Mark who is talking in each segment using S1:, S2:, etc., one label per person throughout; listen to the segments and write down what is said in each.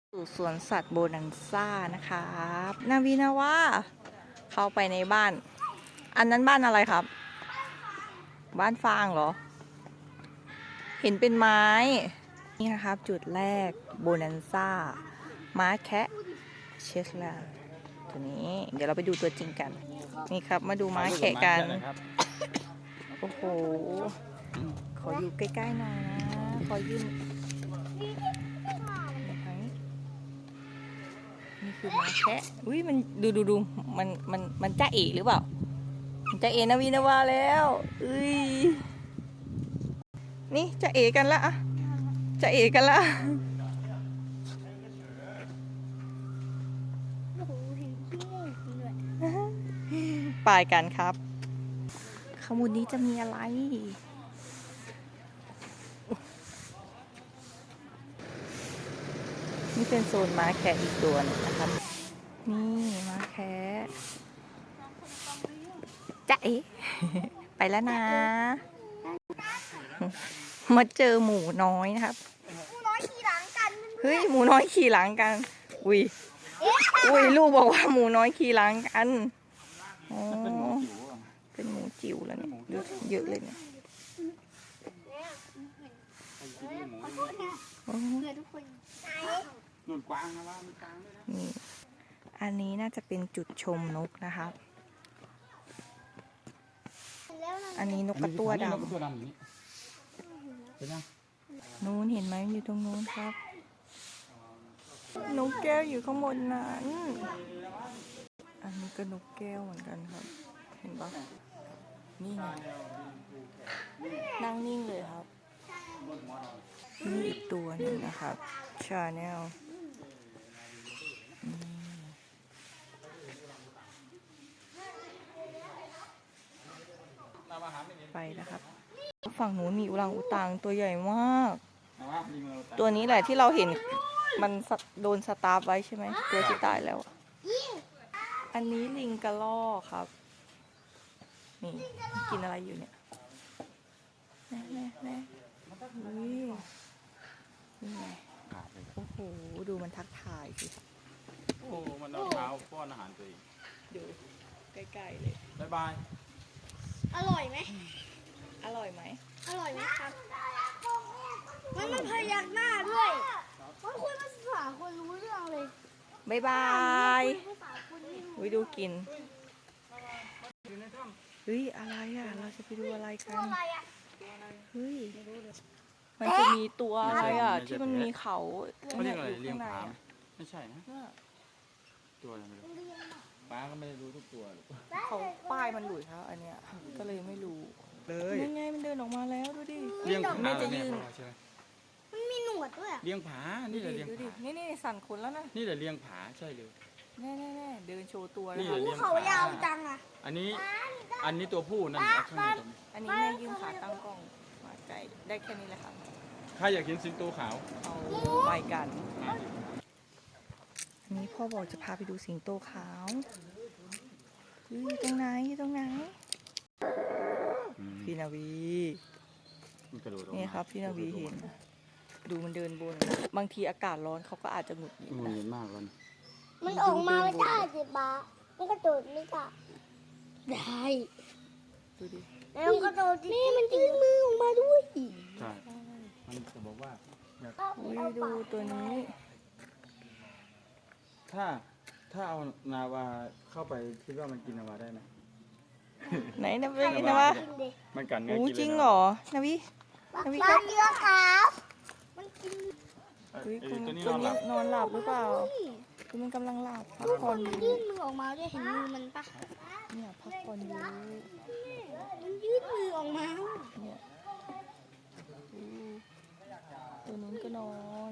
S1: สู่สวนสัตว์โบนันซ่านะครับนาวีนาว่าเข้าไปในบ้าน อันนั้นบ้านอะไรครับ บ้านฟางเหรอ เห็นเป็นไม้นี่นะครับจุดแรกโบนันซ่าม้าแคะเชสลาตัวนี้เดี๋ยวเราไปดูตัวจริงกันนี่ครับมาดูม้าแคะกันโอ้โหขออยู่ใกล้ๆหน่อยนะขอยืนนี่คือม้าแคะอุ้ยมันดูมันจ้าเอ๋หรือเปล่ามันจ้าเอ๋นาวีนาวาแล้วอุ้ยนี่จ้าเอ๋กันละจ้าเอ๋กันละไปกันครับขมุดนี้จะมีอะไรนี่เป็นโซนม้าแคะอีกตัวนึงนะครับนี่ม้าแคะจ๊ะเอ๋ ไปแล้วนะ มาเจอหมูน้อยนะครับ
S2: หมูน้อยขี่หลังกัน
S1: เฮ้ยหมูน้อยขี่หลังกันอุ้ยลูกบอกว่าหมูน้อยขี่หลังกันอ๋อเป็นหมูจิ๋วแล้วเนี่ยเยอะเลยเนี่ยนี่อันนี้น่าจะเป็นจุดชมนกนะครับอันนี้นกกระตั้วดำนู้นเห็นไหมอยู่ตรงนู้นครับนกแก้วอยู่ข้างบนนั้นอันนี้ก็นกแก้วเหมือนกันครับเห็นปะนี่ไงนั่งนิ่งเลยครับนี่อีกตัวหนึ่งนะครับชาแนลไปนะครับฝั่งนู้นมีอุรังอุตังตัวใหญ่มากตัวนี้แหละที่เราเห็นมันโดนสตาร์ฟไว้ใช่ไหมตัวที่ตายแล้วอันนี้ลิงกระรอกครับนี่กินอะไรอยู่เนี่ยแน่นี่ไงโอ้โหดูมันทักทายสิ
S3: โอ้มันเอาเท้าป้อนอาหารตัวเอง
S1: ดูใกล้ๆเลย
S3: บ๊ายบาย
S2: อร่อยไหม
S1: อร่อยไหม
S2: อร่อยไหมครับมันพยักหน้าด้วยมันคุยภาษาคนรู้เรื่องเลย
S1: บ๊ายบายวิดูกินเฮ้ยอะไรอ่ะเราจะไปดูอะไรกันเฮ้ยมันจะมีตัวอะไรอ่ะที่มันมีเขา
S3: เขาเรียกอะไรเลี้ยงผาไม่ใช่นะตัวอะไรไม่รู้ป้าก็ไม่ได้รู้ทุกตัว
S1: เขาป้ายมันหลุดครับอันเนี้ยก็เลยไม่รู้
S3: เลย
S1: ยังไงมันเดินออกมาแล้วดูดิ
S3: เลี้ยงผาจะยืน
S2: มันมีหนวดด้วย
S3: เลี้ยงผานี่แหละเลี้ยงผา
S1: นี่สั่นขนแล้วนะ
S3: นี่แหละเลี้ยงผาใช่เลย
S1: แน่เดินโชว์ตัว
S3: แล้ว
S2: เขายาวจังอ่ะ
S3: อันนี้ตัวผู้นั่นข้างในตรงนี้
S1: อันนี้แม่ยืมขาตั้งกล้องมาไกลได้แค่นี้แหละครับ
S3: ใครอยากเห็นสิงโตขาว
S1: เอาไปกันอันนี้พ่อบอกจะพาไปดูสิงโตขาวอยู่ตรงไหนพี่นาวีนี่ครับพี่นาวีเห็นดูมันเดินบนบางทีอากาศร้อนเขาก็อาจจะหงุดหงิด
S3: มากเลย
S2: มันออกมาไม่ได้สิบ้ามันกระโดดไม่ได้
S1: ดูดิ
S2: แล้วกระโดดนี่มันยื่นมือออกมาด้วย
S3: ใช่มันจะบอกว่า
S1: ดูตัวนี้
S3: ถ้าเอานาวาเข้าไปคิดว่ามันกินนาวาได้ไหม
S1: ไหนนาวีนะวะ
S3: มันกัดเนื้อกิน
S1: จริงเหรอนาวี
S2: ครับเยอะครับมันกิน
S1: ตัวนี้นอนหลับหรือเปล่าคือมันกำลังหลับพักผ่อนอยู่
S2: ยื่นมือออกมาด้วยเห็นมือมันปะ
S1: เนี่ยพักผ่อนอยู่
S2: มันยื่นมือออกมา
S1: เนี่ยตัวนู้นก็นอน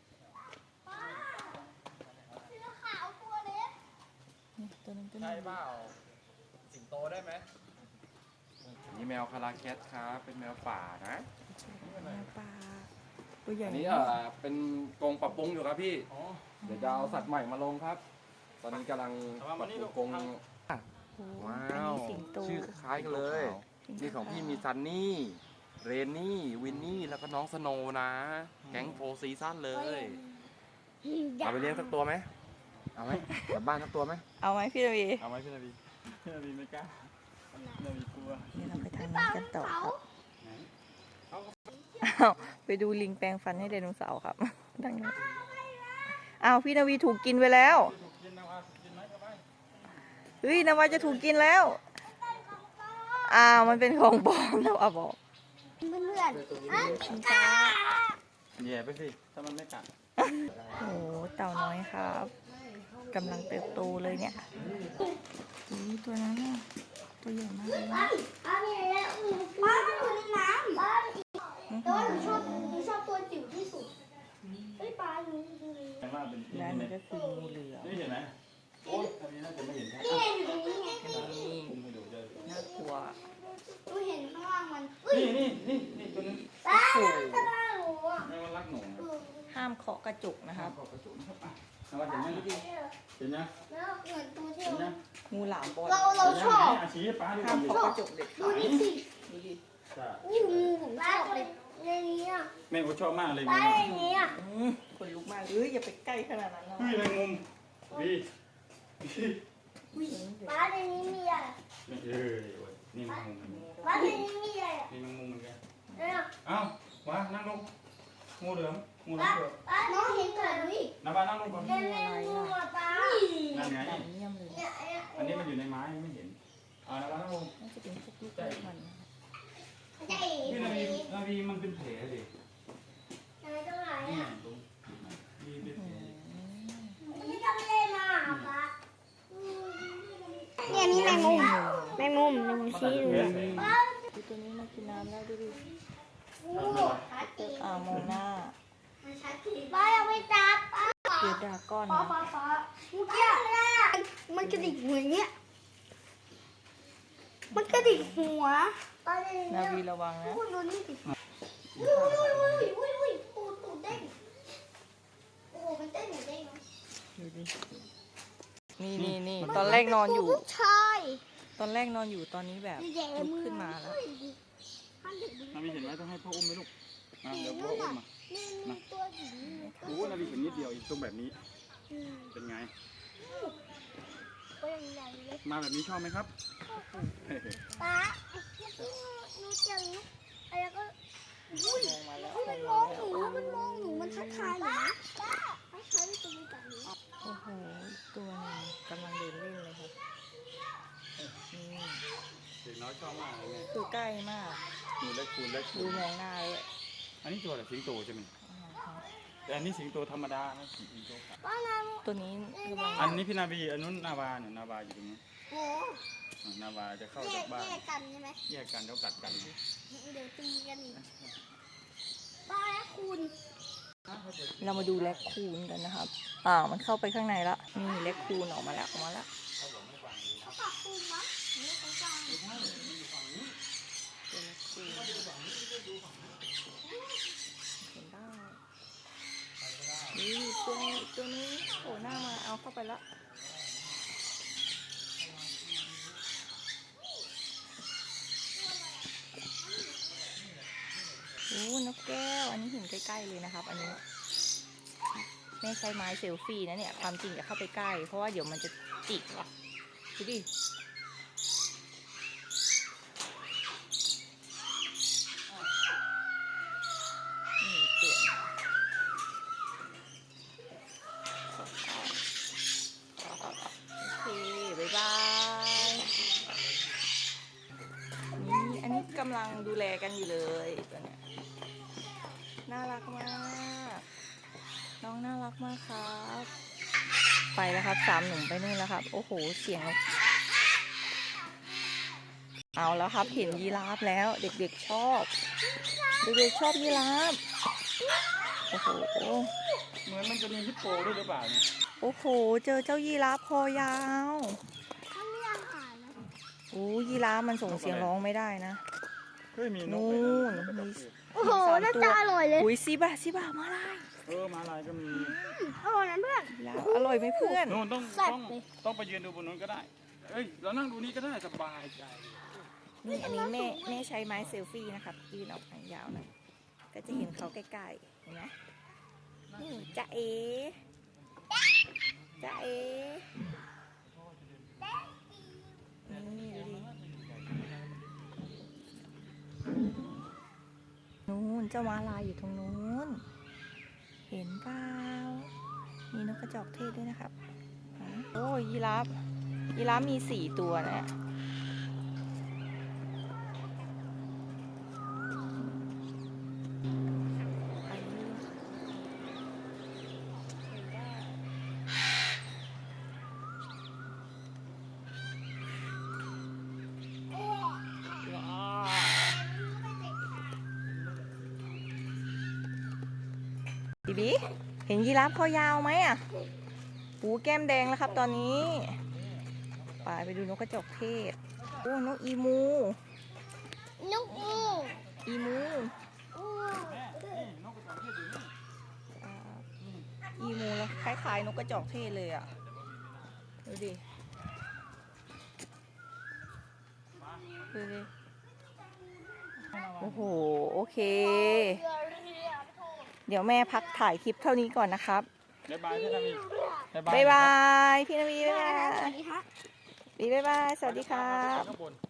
S1: ตัวนั้นก็นอน
S4: ใช่เปล่าสิงโตได้ไหมนี่แมวคาราแคทครับเป็นแมวป่านะ
S1: แมวป่าตัวใหญ่
S4: อันนี้เป็นกรงปรับปรุงอยู่ครับพี่เดี๋ยวจะเอาสัตว์ใหม่มาลงครับ ตอนนี้กำลังปรับปรุงกรงว้าวชื่อคล้ายกันเลยนี่ของพี่มีซันนี่เรนนี่วินนี่แล้วก็น้องสโนว์นะแก๊งโฟร์ซีซั่นเลยเอาไปเลี้ยงสักตัวไหมเอาไหมกลับบ้านสักตัวไหม
S1: เอาไหมพี่นาวี
S3: เอาไว้พี่นาวีพี่นาวีไม่กล้าพี่นาวีกลัว
S1: เดี๋ยวเราไปทางนี้กันต่อครับ
S3: ไหน
S1: อ้าวไปดูลิงแปลงฟันให้ไดโนเสาร์ครับดังนั้นอ้าวพี่นาวีถูกกินไปแล้ว
S3: ถูกกินนะว่ากินไหมก็ไป
S1: เฮ้ยนาวาจะถูกกินแล้วอ้าวมันเป็นของปลอมนาวาบอก
S2: เพื่อนๆอ่ะกา
S3: แย่ไปสิถ้ามันไม่กัด
S1: โอ้โหเต่าน้อยครับกำลังเติบโตเลยเนี่ยตัวนั้นน่ะตัวใหญ่มากเลยนะ
S2: ป้ามันอยู่ในน้ำป้าแต่ว่าหนูชอบตัวจิ๋วที่สุดเฮ้ยป้าหนูดูเลย
S3: แต่ว่าเป็นที่
S1: และ
S3: นี่
S1: นี่ก็คืองูเหลือม
S3: นี่เห็นไหมโอ้ยอันนี้น่าจะไม่เห็นครับ
S2: นี่อยู่ตรงนี้ไง
S1: นี่
S3: คุณไปดูเจอ
S1: น่ากลัว
S2: หนูเห็นข้างล่างมัน
S3: นี่ตัวนี้
S2: ป้ามันจะมาหนูอ่ะ
S3: แม่ว่ารักหนู
S1: ห้ามเคาะกระจกนะครับ
S3: ขอบกระจุกนะครับอ่ะแล้วว่าเห็นไหมเห็นยัง
S2: แล้วเหมือนตัวที่
S3: เห็นยัง
S1: งูหลามบอล
S2: เราชอบ
S3: อาชี้ให้ป้าดู
S1: ห้ามเคาะกระจกเด็ด
S2: ดู
S1: ขาด
S2: นี่สิ
S1: ดูดิ
S3: ใช่
S2: นี่งูผมชอบเลยในนี้อ่ะ
S3: แม่ก็ชอบมากเลย
S2: ป้า
S3: งู
S2: ในนี้อ่ะ
S1: คนลุกมากเอ้ยอย่าไปใกล้ขนาดนั้นนะ
S3: เฮ้ยแมงมุมวี
S2: ป้าในนี้มีอะไร
S3: เอ้ยนี่แมงมุม
S2: ป้าในนี้มีอะไร
S3: นี่แมงมุมเหมือนกัน
S2: เนี่ย
S3: เอ้ามานั่งลงงูเหลือมงูเหลือ
S2: ป้าม
S3: เผือก
S2: ป้าน้องเห็นก่อนดิ
S3: น้าบ้านนั่งลงก่อน
S2: เป็นแมงมุมอ่ะป้า
S3: นั่นไง
S1: เยี่ยมเลย
S2: เนี่ย
S3: อันนี้มันอยู่ในไม้ไม่เห็นเอาน้าบ้านนั่งลง
S1: น่าจะเป็นพวกลูกเล็กมันนะครับ
S2: ใหญ่
S3: พี่นาวีมันเป็นแผลดิ
S2: อะไรตรงไหน
S3: นี่
S2: อ่ะ
S3: ตรงมีเป็นแผล
S2: ไม่ต้องเล่นมาป้าเนี่ยนี่แมงมุมชี้ดู
S3: แผล
S1: ดูตัวนี้มากินน้ำแล้วดูดิ
S2: ชัดจริง
S1: มองหน้า
S2: ชัดจริงป้ายังไม่จับป้า
S1: เดือดดราก้อน
S2: ป้า
S1: นะ
S2: ป้าป้าเมื่อกี้มันกระดิกหัวอย่างเงี้ยมันกระดิกหัวป้าในนี้
S1: นาวีระวังนะ
S2: พูดดูนี่สิตูดเด้งโอ้มันเต้นหนูเด้ง
S1: ดูดินี่ตอนแรกนอนอยู่
S2: ลูกชาย
S1: ตอนแรกนอนอยู่ตอนนี้แบบลุกขึ้นมาแล้ว
S3: นาวีเห็นไหมต้องให้พ่ออุ้มไหมลูกมาเดี๋ยวพ่ออุ้มมา
S2: มีตัวหญิง
S3: โอ้นาวีเห็นนิดเดียวอีกตรงแบบนี้ เป็นไง
S2: ตัวใหญ่เลย
S3: มาแบบนี้ชอบไหมครับ
S2: ป้าหนูเจออะไรก็อุ้ย
S1: มองมาแล้ว
S2: มันมองหนูมันมองหนูมันทักทายหนูนะทักทายตัวนี้แบบนี้
S1: โอ้โหตัวหนึงกำลังเดินเล่นเลยครับนี่
S3: เด็กน้อยชอบมากเลยเนี่ย
S1: คือใกล้มาก
S3: คูเล็กคูเล็ก
S1: ดูมองหน้าเลย
S3: อันนี้ตัวอะไรสิงโตใช่ไหมแต่อันนี้สิงโตธรรมดานะสิงโตขาว
S2: ป้านา
S1: ตัวนี้ระวัง
S3: อันนี้พี่นาวีอันนู้นนาวาเนี่ยนาวาอยู่ตรงนี้
S2: โอ้
S3: นาวาจะเข้า
S2: แย
S3: จาก กบ้าน
S2: กันใช่ไหม
S3: แยกกันแล้วกัดกัน
S2: เดี๋ยวตีกันอีกป้าและคุณ
S1: เรามาดูแรคคูนกันนะครับมันเข้าไปข้างในละนี่แรคคูนออกมาแล้ว
S2: เขาปรับปรุงมั้งหรือเขาจ้าง
S1: ตัวแรคคูนเห็นได้นี่ตัวนี้โผล่หน้ามาเอาเข้าไปละโอ้นกแก้ว อันนี้เห็นใกล้ๆเลยนะครับ อันนี้แม่ใช้ไม้เซลฟี่นะเนี่ย ความจริงอย่าเข้าไปใกล้ เพราะว่าเดี๋ยวมันจะจิกว่ะดูดินี่ตัวโอเค บ๊ายบาย นี่อันนี้กำลังดูแลกันอยู่เลยตัวเนี้ยน่ารักมาก น้องน่ารักมากครับ ไปแล้วครับ3 หนุ่มไปนู่นแล้วครับ โอ้โห เสียง เอาแล้วครับ เห็นยีราฟแล้ว เด็กๆชอบ เด็กๆชอบยีราฟ โอ้โห
S3: เหมือนมันจะมีฮิปโปด้วยหรือเปล่าเนี่ย
S1: โอ้โห เจอเจ้ายีราฟคอยาว
S2: เขาไม่อาหารนะ
S1: โอ้ยีราฟมันส่งเสียงร้องไม่ได้นะ
S3: เฮ้ยมีนก
S1: นู่
S3: เลย
S1: น
S3: นะ
S1: มี
S2: โอ้โหน่าจะอร่อยเลย
S1: อุ้ยซิบะมาลาย
S3: มาลายก็มี
S2: อร่อยนะเพื่อน
S1: แล้วอร่อยไหมเพื่อน
S3: โน่นต้อง
S2: แซ่บ
S3: ต้อง
S2: เลย
S3: ต้องไปยืนดูบนนู้นก็ได้ เอ้ยเรานั่งดูนี้ก็ได้สบายใจ
S1: นี่อันนี้แม่ใช้ไม้เซลฟี่นะครับยืนออกทางยาวหน่อยก็จะเห็นเขาใกล้ๆเห็นไหมนี่จะเอจ้าม้าลายอยู่ตรงนู้น เห็นเปล่ามีนกกระจอกเทศด้วยนะครับโอ้ยยีราฟมี4 ตัวนะบีเห็นยีราฟคอยาวไหมอ่ะหูแก้มแดงแล้วครับตอนนี้ไปดูนกกระจอกเทศโอ้นกอีมู
S2: นกอู
S1: อีมู
S2: อู
S1: อีมูแล้วคล้ายๆนกกระจอกเทศเลยอ่ะดูดิโอ้โหโอเค เดี๋ยวแม่พักถ่ายคลิปเท่านี้ก่อนนะครับ
S3: บ๊ายบายพี่นาวี
S1: บ๊ายบายพี่นาวีบ๊ายบาย
S2: สวัสดีครับ
S1: บ๊ายบายสวัสดีครับ
S3: ข้างบน